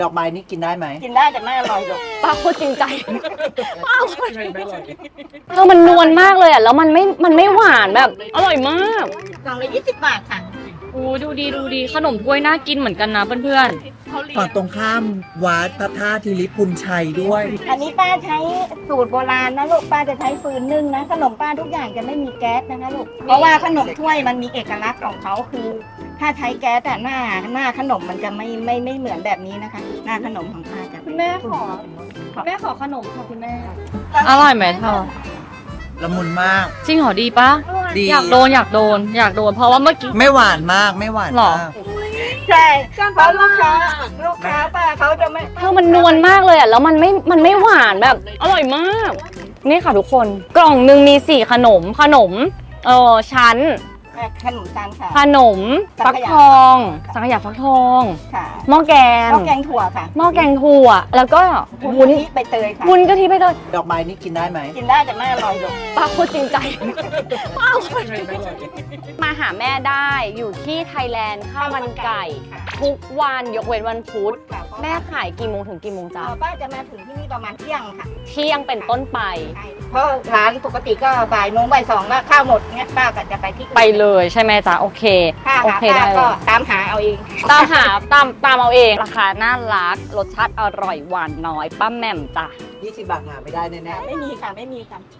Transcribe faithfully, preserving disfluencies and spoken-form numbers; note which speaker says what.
Speaker 1: ดอกไม้นี่กินได้ไหม
Speaker 2: กินได้แต่ไม่อร่อยหรอก
Speaker 3: ป้าโคตรจริงใจป้าโคตรเธอมันนวลมากเลยอ่ะแล้วมันไม่มันไม่หวานแบบอร่อยมาก
Speaker 2: กล่องละยี่สิบบาทค่ะ
Speaker 3: โอ้ดูดีดูดีขนมถ้วยน่ากินเหมือนกันนะเพื่อน
Speaker 1: ฝั่งตรงข้ามวัดพระธาตุทิริพุนชัยด้วย
Speaker 2: อันนี้ป้าใช้สูตรโบราณนะลูกป้าจะใช้ฟืนนึ่งนะขนมป้าทุกอย่างจะไม่มีแก๊สนะคะลูกเพราะว่าขนมถ้วยมันมีเอกลักษณ์ของเขาคือ ถ้าใช้แก๊สแต่หน้าหน้าขนมมันจะไม่ไม่ไม่เหมือนแบบนี้นะคะ หน้าขนมของป้าจะ
Speaker 3: ๆคุณแม่ขอคุณแม่ขอขนมค่ะคุณแม่อร่อยไหมเธอ
Speaker 1: ละมุนมาก
Speaker 3: จริงเหรอดีปะ
Speaker 1: ดี
Speaker 3: อยากโดนอยากโดนอยากโดนเพราะว่าเมื่อกี้
Speaker 1: ไม่หวานมากไม่หวาน
Speaker 3: หรอ
Speaker 1: มาก
Speaker 2: ใช่เพราะลูกค้าลูกค้าป้าเขาจะไม่
Speaker 3: เธอมันนวลมากเลยอ่ะแล้วมันไม่มันไม่หวานแบบอร่อยมาก นี่ค่ะทุกคนกล่องหนึ่งมีสี่ขนมขนมเออชั้น
Speaker 2: ขนมตาลค่ะ
Speaker 3: ขนมฟักทอง สังขยาฟักทอง
Speaker 2: ค่ะ
Speaker 3: หม้อแกง
Speaker 2: ข้าวแกงถั่วค่ะ
Speaker 3: หม้อแกงถั่วแล้วก็วุ้น
Speaker 2: ที่ใบเตยค่ะ
Speaker 3: วุ้นกะทิไปเลย
Speaker 1: ดอกไม้นี่กินได้ไหม
Speaker 2: กินได้แต่ไม่อร่อยหรอก
Speaker 3: ป้าโคตรจริงใจป้าโคตรจริงใจมาหาแม่ได้อยู่ที่ไทยแลนด์ข้าวมันไก่ ทุกวันยกเว้นวันพุธแม่ขายกี่โมงถึงกี่โมงจ๊ะ
Speaker 2: เอ่อป้าจะมาถึงที่นี่ประมาณเที่ยงค่ะ
Speaker 3: เที่ยงเป็นต้นไป
Speaker 2: ใช่เพราะร้านปกติก็บ่ายโมงบ่ายสองก็ข้าวหมดเงี้ยป้าก็จะไปที่อื่น
Speaker 3: ไปเลยใช่ไหมจ๊ะโอเค
Speaker 2: ถ้า
Speaker 3: โอ
Speaker 2: หา
Speaker 3: เค
Speaker 2: ป้า
Speaker 3: ได้เล
Speaker 2: ก็
Speaker 3: ย
Speaker 2: ตามหาเอาเอง
Speaker 3: ตามหาตามตามเอาเองราคาน่ารักรสชาติอร่อยหวานน้อยป้าแหม่มจ้ะ
Speaker 1: ยี่สิบบาทหาไม่ได้แน่ๆ
Speaker 2: ไม่มีค่ะไม่มีค่ะ